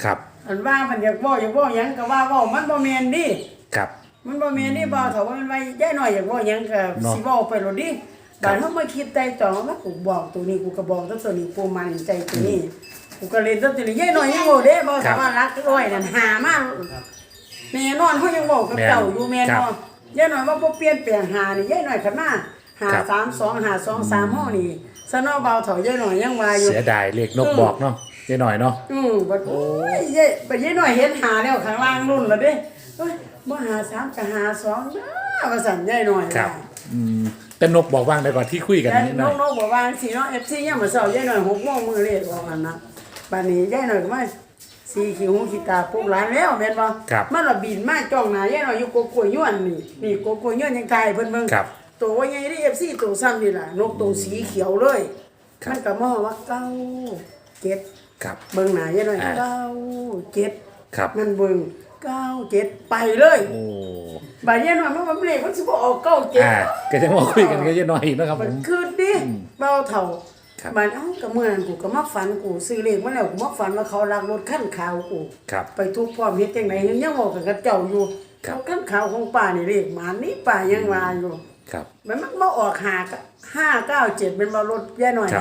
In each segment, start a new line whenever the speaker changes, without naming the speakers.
ครับ
อันว่ามันอยากเว้าหยังก็ว่าเว้ามันบ่แม่นดิ
ครับ
มันบ่แม่นดิบ่าวเฒ่ามันไว้ยายน้อยอยากเว้าหยังก็สิเว้าไปโลดดิบาดเฮามาคิดไต่ตองว่ากูบอกตัวนี้กูก็บอกตัวนี้กูมั่นใจตัวนี้กูก็เล่นตัวนี้ยายน้อยยังเว้าเด้บ่สามารถรักร้อยนั่นหามาแน่นอนเฮายังเว้ากับเจ้าอยู่แม่นบ่ยายน้อยว่าบ่เปลี่ยนแปลงหานี่ยายน้อยคันมา532 523เฮานี่ซะเนาะบ่าวเฒ่ายายน้อยยังว่าอยู่
เสียดายเลขนกบอกเนาะยายหน่อยเนาะ
บัดโอ้ยยายน้อยเห็นหาแล้วข้างล่างรุ่นแล้วเด้เอ้ยบ่หา3ก็หา2นะว่าซั่นยายน้อย
ครับแต่นกบอกว่างได้ก่อนที่คุยกันนิดหน่อย
นกบอกว่าสิเนาะ FC ยามมื้อเช้ายายน้อย6 โมงมื้อเลขออกอันนะบัดนี้ยายน้อยก็มาสีขี้หูขี้ตาปุ๊บหลานแล้วแม่นบ่มันละบินมาจ้องหน้ายายน้อยอยู่กกล้วยย้วนนี่กกล้วยย้วนยังตายเพิ่นเบิ่งตัวว่าใหญ่ดิ FC ตัวซ้ำนี่ล่ะนกตัวสีเขียวเลยมันก็มองว่า97
ครับ
เบิ่งหน้ายายน้อย97
ครับ
มันเบิ่ง97ไปเลย
โอ้
บาดยายน้อยมันเลขมันสิบ่ออก97
ก็จะมาคุยกันกับยายน้อยอีกนะครับผม
คือดิเบาเฒ่าบาดก็เมื่อนั้นกูก็มาฝันกูซื้อเลขมาแล้วกูมาฝันว่าเขาลักรถคันขาวกูไปทุบพร้อมเฮ็ดจังได๋ยังบอกกับเจ้าอยู่เขาคันขาวของป้านี่เลขหมานี่ป้ายังว่าอยู่
ครับ
มันมาออก597เป็นบ่รถยายน้อย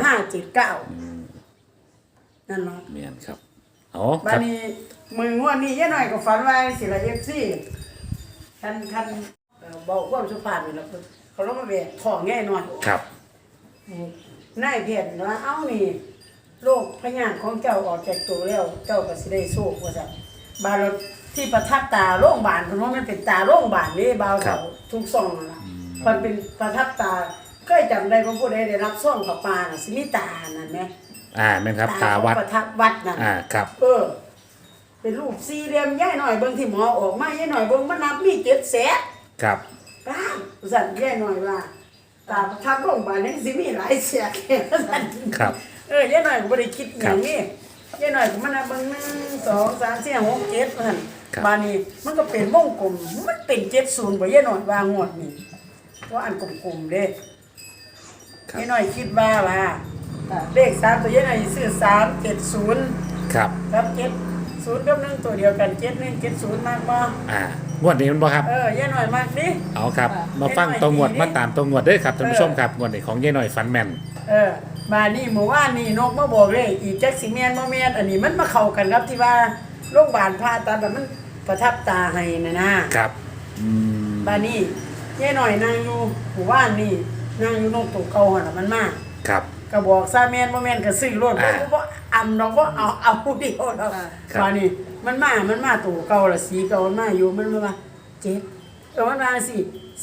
579นั่นเนาะ
แม่นครับอ๋อ
บัดนี้มึงว่านี่ยายน้อยก็ฝันว่าสิละ FC คันเบาความสุภาพนี่ล่ะเขาลงมาแบกท้องยายน้อย
ครับ
นายเพชรว่าเอ้านี่โรคพยาธิของเจ้าออกจากตัวแล้วเจ้าก็สิได้โชคว่าซั่นบาดที่ประทับตาโรงพยาบาลเพิ่นว่ามันเป็นตาโรงพยาบาลนี่บ่าวเขาทุกซ่องนั่นล่ะมันเป็นประทับตาเคยจำได้ว่าผู้ใดได้รับซ่องกับปลาน่ะสิมีตานั่นแหม
แม่นครับตาวัด
ประทับวัดนั่น
ครับ
เป็นรูปสี่เหลี่ยมยายหน่อยเบิ่งที่หมอออกมายายหน่อยเบิ่งมันนับมี7แสน
ครับ
ป้าสั่นยายหน่อยว่าตาประทับโรงพยาบาลยังสิมีหลายเสียแค่สั่น
ครับ
ยายหน่อยก็บ่ได้คิดอย่างนี้ยายหน่อยก็มันนับเบิ่ง1 2 3 4 6 7ว่าซั่นบาดนี้มันก็เป็นวงกลมมันเป็น70บ่ยายหน่อยว่างวดนี้ว่าอันกลมๆเด้ยายหน่อยคิดว่าเลข3ตัวยายหน่อยซื้อ370
ครับ
ครับ70กับ1ตัวเดียวกัน7170มากบ่
งวดนี้มันบ่ครับ
ยายหน่อยมากดิ
เอาครับมาฟังตัวงวดมาตามตัวงวดเด้อครับท่านผู้ชมครับงวดนี้ของยายหน่อยฝันแม่น
มานี่เมื่อวานนี่นกมาบอกเลยอีจักสิแม่นบ่แม่นอันนี้มันมาเข้ากันครับที่ว่าโรงพยาบาลผ่าตัดแบบมันประทับตาให้นะครับบานี่ยายหน่อยนั่งอยู่เมื่อวานนี่นั่งอยู่นกตัวเก่าหั่นน่ะมันมา
ครับ
ก็บอกซะแม่นบ่แม่นก็ซื้อรถบ่อำดอกบ่เอาเดียวดอกบานี่มันมาตัวเก่าละสีเก่ามันมาอยู่มันว่า7มันว่าสิ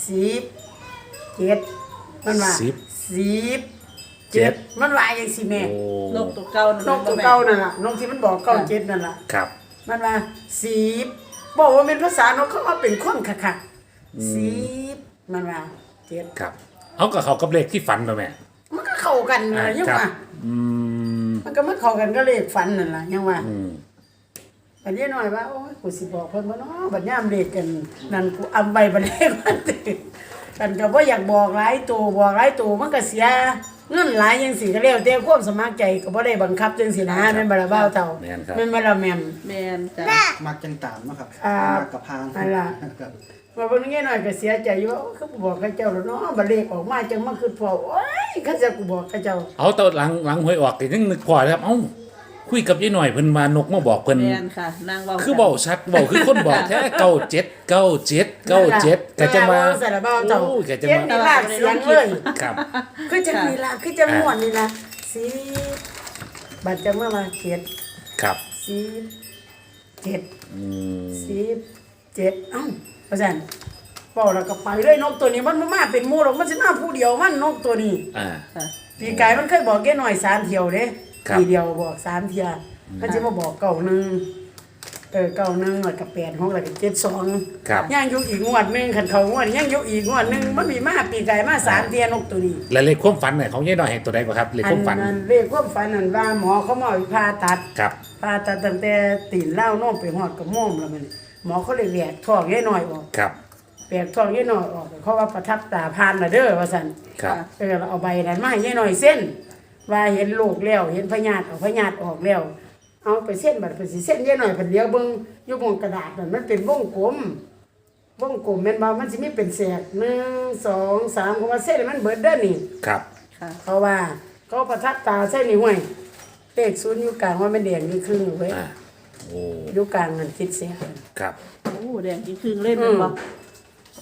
7มันว่า10 มันว่าจังซี่แม่
นกตัวเก่านั่
นล่ะนกที่มันบอก97นั่นล่ะ
ครับ
มันว่า10บอกว่าเป็นภาษานกเขาว่าเป็นคนคักๆ10มันว่า7
ครับเอาก็เข้ากับเลขที่ฝันบ่แม่
มันก็เข้ากันนั่นล่ะยังว่ามันก็มาเข้ากันก็เลขฝันนั่นล่ะยังว่าบัดนี้หน่อยว่าโอ้ยกูสิบอกเพิ่นบ่เนาะบัดยามเลขกันนั่นกูอำไว้บัดเลขมันกันก็บ่อยากบอกหลายตัวมันก็เสียเงินหลายจังซี่ก็แล้วแต่ความสมัครใจก็บ่ได้บังคับจังซี่นะแม่นบ่ล่ะบ่าวเฒ่าแม่นบ่ล่ะแม่
นจ้ะ
มักจังตามเนาะครับกับพาง
นั่นล่ะว่าเพิ่นงี้หน่อยก็เสียใจอยู่คือบอกกับเจ้าแล้วเนาะบัดเลขออกมาจังมาคือพอโอ้ยเขาจะกูบอกกับเจ้า
เอาตอนหลังหวยออกก็ยังนึกพอครับเอ้าคุยกับยายหน่อยเพิ่นมานกมาบอกเพิ่น
แม่นค่ะนางเว้า
คือเว้าชัดเว้าคือคนบอกแท้97ก็จะมา
โอ้
ก็จะมา
มีลากเสียงเลย
ครับ
คือจะมีลากคือจะม่วนนี่นะ10บัดจะเมื่อมา7
ครับ
10 7เอ้าว่าซั่นบอกแล้วก็ไปเลยนกตัวนี้มันมาเป็นหมู่หรอกมันสิมาผู้เดียวมันนกตัวนี้ปีกายมันเคยบอกแกหน่อย3เที่ยวเด้ทีเดียวบอก3เที่ยมันสิมาบอก91แล้วก็86แล้วก็72ยังอยู่อีกงวดนึงคันเขางวดยังอยู่อีกงวดนึงมันมีมาปีกายมา3เที่ยนกตัวนี้
แล้วเลขความฝันเนี่ยของยายน้อยให้ตัวใดบ่ครับเลขความฝัน
เลขความฝันนั่นว่าหมอเขามาผ่าตัด
ครับ
ผ่าตัดตั้งแต่ตีนเล้าโน้มไปฮอดกระม่อมแล้วมันหมอเขาเลยแหวกท้องยายน้อยออก
ครับ
แหวกท้องยายน้อยออกเขาว่าประทับตาผ่านน่ะเด้อว่าซั่น
ครับ
เอาใบนั้นมาให้ยายน้อยเส้นว่าเห็นลูกแล้วเห็นพญาติเอาพญาติออกแล้วเอเอาไปเส้นบัดไปสิเส้นเยอะหน่อยเพิ่นเดียวเบิ่งอยู่บนกระดาษนั่นมันเป็นวงกลมแม่นบ่มันสิมีเป็นแสก1 2 3เพราะว่าเส้นมันเบิดเด้อนี่
ครับ
ค่ะ
เพราะว่าเขาประทับตาเส้นนี่ห้วยเลข0อยู่กลางว่ามันแดงนี่ครึ่งเว้ย
อ่าโอ้
อยู่กลางนั่นคิดเสีย
ครับ
โอ้แดงจริงๆเล่นมันบ่โอ้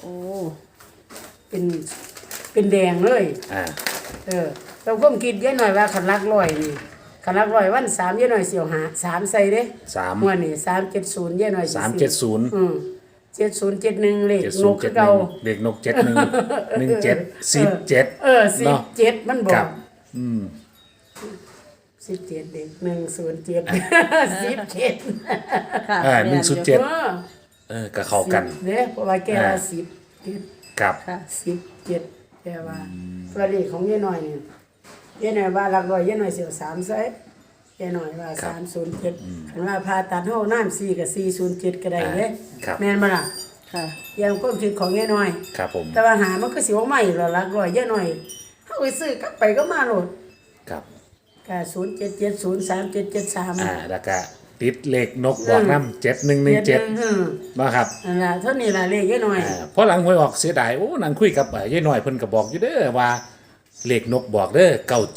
เป็นแดงเลย
อ่า
เราก็คิดเยอะหน่อยว่าขันลักร้อยนี่ขันลักร้อยวัน3เยอะหน่อยเสียวหา3ใส่เด้
3
มื้อนี่370เยอะหน่อยสิ
370
7071เลขนกคือเก่า
7071เลขนก71 17 17 เนาะ
17มันบอ
ครั
ก
บอืม
17เด็ก107 17
ค่ะ
อ่า
แม่นอยู่
107 ก็เข้ากัน
เด้เพราะว่าแกว่า10
ครับ
ค่ะ
17แกว่าตัวเลขของเยอะหน่อยนี่เยอะหน่อยว่าลักร้อยเยอะหน่อยเสียว3ใส่เยอะหน่อยว่า307คันว่าพาตัดเฮาน้ำ4กับ407ก็ได้เด้
ครับ
แม่นบ่ล่ะ
ค่ะ
อย่างความคิดของเยอะหน่อย
ครับผม
แต่ว่าหามันก็สิว่าใหม่หรอลักร้อยเยอะหน่อยเฮาไปซื้อกลับไปก็มาโลด
ครับ
ก็07703773
แล้วก็ติดเลขนกบอกน้ำ7117นะครับ
นั่นล่ะเท่านี้ล่ะเลขเยอะหน่อย
เพราะหลังหวยออกเสียดายโอ้นั่งคุยกับยายน้อยเพิ่นก็บอกอยู่เด้อว่าเลขนกบอกเด้อ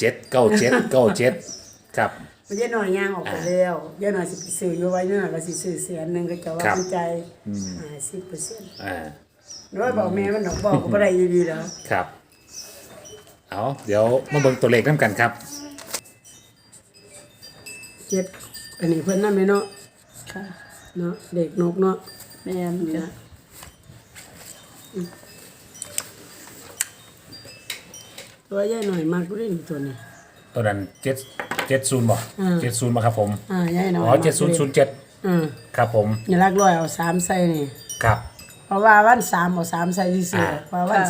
97ครับ
มันเยอะหน่อยย่างออกไปแล้วเยอะหน่อยสิไปซื้ออยู่ไว้เนาะก็สิซื้อแสนนึงก็จะว่ามันใจ10%
อ่า
น้อยบอกแม่มันดอกบอกก็บ่ได้อยู่ดีแล้ว
ครับเอาเดี๋ยวมาเบิ่งตัวเลขนํกันครับ
เจ็ดอันนี้เพิ่นนำเนาะ
ค่ะ
เนาะเด็กนกเนาะ
แม่นจ้ะ
ตัวใหญ่หน่อยมากกูได้นี่ตัวนี้
ตัวนั้น770บ่70บ่ครับผม
ใหญ่หน่อย
อ๋อ7007ครับผม
อย่าลักร้อยเอา3ใส่นี่
ครับ
เพราะว่าวัน3เอา3ใส่ซื่อๆเพราะว่าวัน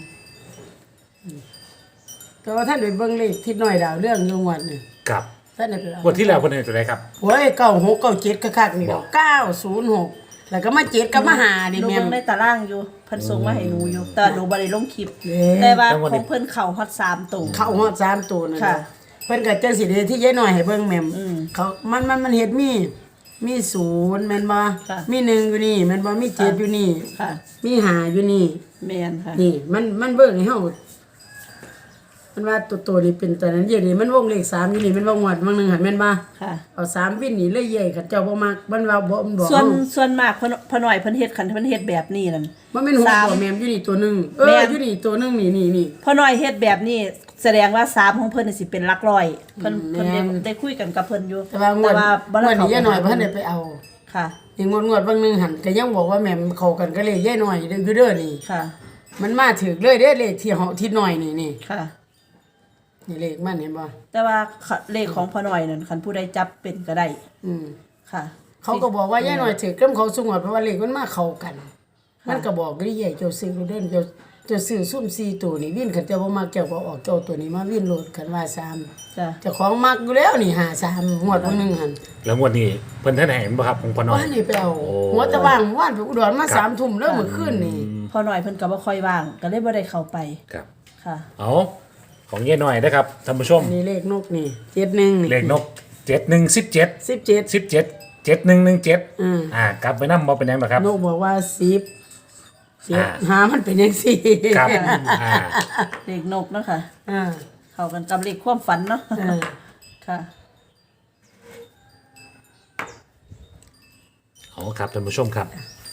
3แต่ว่าท่านไปเบิ่งเลขทิศน้อยดาวเรื่องอยู่งวดนี่
ครับ
ท่านได้ไปเอา
งวดที่แล้วเพิ่นให้ตัวใดครับ
โอ้ย96 97คักๆนี่ดอก906แล้วก็มา7กับมา5นี่
หนู
แม่
เบิ่
น
งในตารางอยู่เพิ่นส่งมาให้หนูอยู่แต่หนูบ่ได้ลงคลิป
เด้
แต่ว่าของเพิ่นเข้าฮอด3ตัว
เข้าฮอด3ตัวนั่น
ค่ะ
เพิ่นก็จังสิได้ที่ยายน้อยให้เบิ่งแม่มเขามันเฮ็ดมี0แม่นบ่
ค่ะ
มี1อยู่นี่แม่นบ่มี7อยู่นี่
ค่ะ
มี5อยู่นี่
แม่นค่ะ
นี่มันเบิ่งให้เฮามันว่าตัวนี้เป็นตัวนั้นอย่างนี้มันวงเลข3อยู่นี่มันบ่งวดบางนึงหั่นแม่นบ่
ค่ะ
เอา3วินนี่เลยใหญ่เขาเจ้าบ่มักมันว่าบ่มันบอก
ส่วนมากพอหน่อยเพิ่นเฮ็ดคันเพิ่นเฮ็ดแบบนี้นั่น
มันเป็นหัว
สาม
บ่แม่มอยู่นี่ตัวหนึง
แม่น
อยู่นี่ตัวหนึงนี่
พอหน่อยเฮ็ดแบบนี้แสดงว่า3ของเพิ่นนี่สิเป็นหลักร้อยเพิ่น
แม่น
ได้คุยกันกับเพิ่นอยู่
แต่ว่างวด
บ่
ง
ได้
วดนี้ยายน้อยบ่ทัน
เ
ได้ไปเอา
ค่ะ
นี่งวดบางนึงหั่นก็ยังบอกว่าแม่มเข้ากันก็เลยยายน้อยเด้อนี่
ค่ะ
มันมาถึกเลยเด้เลขที่เฮาที่น้อยนี่
ค่ะ
นี่เลขมันเห็นบ่
แต่ว่าเลขของพอหน่อยนั่นคันผู้ใดจับเป็นก็ได้
อืม
ค่ะ
เขาก็บอกว่ายายน้อยถึกกับเขาสงวดเพราะว่าเลขมันมาเข้ากัน มันก็บอกได้ใหญ่เจ้าซื้อเด้นเจ้าซื้อซุ่ม4ตัวนี่วินคันเจ้าบ่มักเจ้าก็ออกเจ้าตัวนี้มาวินโลดคันว่า3
จ้ะ
เจ้าของมักอยู่แล้วนี่53งวดวันนึงหั่น
แล้วงวดนี้เพิ่นท่านให้เห็นบ่ครับของพ่อน้อ
ว่าย นี่ไปเอาหัวตะว่างว่านไปอุดรมา
ครับ
3 ทุ่มแล้วเมื่อคืนนี่
พอหน่อยเพิ่นก็บ่ค่อยว่าง ก็เลยบ่ได้เข้าไป
ครับ
ค่ะ
เอาของยายน้อยนะครับท่านผู้ชม
นี่เลขนกนี่71นี่
เลขนก7117
17
17 7117
อืม
กลับไปนำบ่เป็นหยังหรอกครับ
นกบอกว่า10
อ่า
7หามันเป็นจังซี่
ครับอ่า
เลขนกเนาะค่ะ
อ่า
เข้ากันกับเลขความฝันเนาะ ค่ะ
เอาครับท่านผู้ชมครับ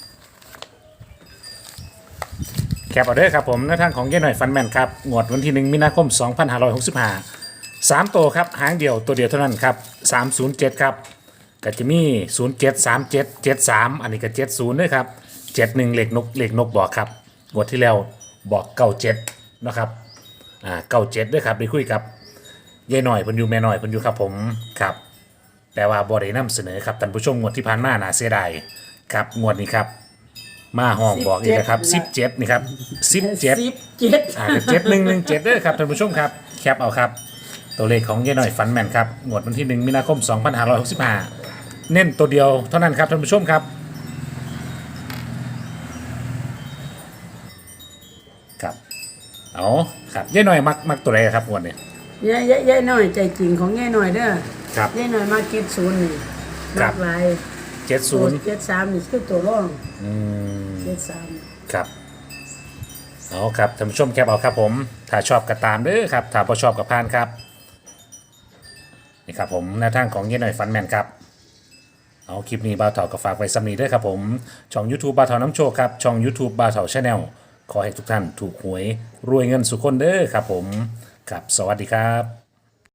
แคปเอาเด้อครับผมในทางของยายหน่อยฟันแมนครับงวดวันที่1มีนาคม 2565 3ตัวครับหางเดียวตัวเดียวเท่านั้นครับ307ครับก็จะมี07 37 73อันนี้ก็70ด้วยครับ71เลขนกบอกครับงวดที่แล้วบอก97นะครับ97ด้วยครับได้คุยกับยายหน่อยเพิ่นอยู่แม่หน่อยเพิ่นอยู่ครับผมครับแต่ว่าบ่ได้นำเสนอครับท่านผู้ชมงวดที่ผ่านมาน่าเสียดายครับงวดนี้ครับมาห้องบอกอีกนะครับ17นี่ครับ17
17
7117ด้วยครับท่านผู้ชมครับแคปเอาครับตัวเลขของยายหน่อยฝันแม่นครับงวดวันที่1มีนาคม 2565 เน้นตัวเดียวเท่านั้นครับท่านผู้ชมครับครับเอาครับยายหน่อยมักตัวใดครับงวดนี้
ยายน้อยใจจริงของยายน้อยเด้อ
ครับ
ยายน้อยมาเก็ตศูนย์นี่
ครั
มา
บ
กหลาย
70
73นี่คือตัวรอง
อืม
73
ครับเอาครับท่านผู้ชมแคปเอาครับผมถ้าชอบก็ตามเด้อครับถ้าบ่ชอบก็ผ่านครับนี่ครับผมแนวทางของเย็นหน่อยฟันแมนครับเอาคลิปนี้บ่าวเถาก็ฝากไว้สำนีเด้อครับผมช่อง YouTube บ่าวเถาน้ำโชคครับช่อง YouTube บ่าวเถา Channel ขอให้ทุกท่านถูกหวยรวยเงินสุขคนเด้อครับผมครับสวัสดีครับ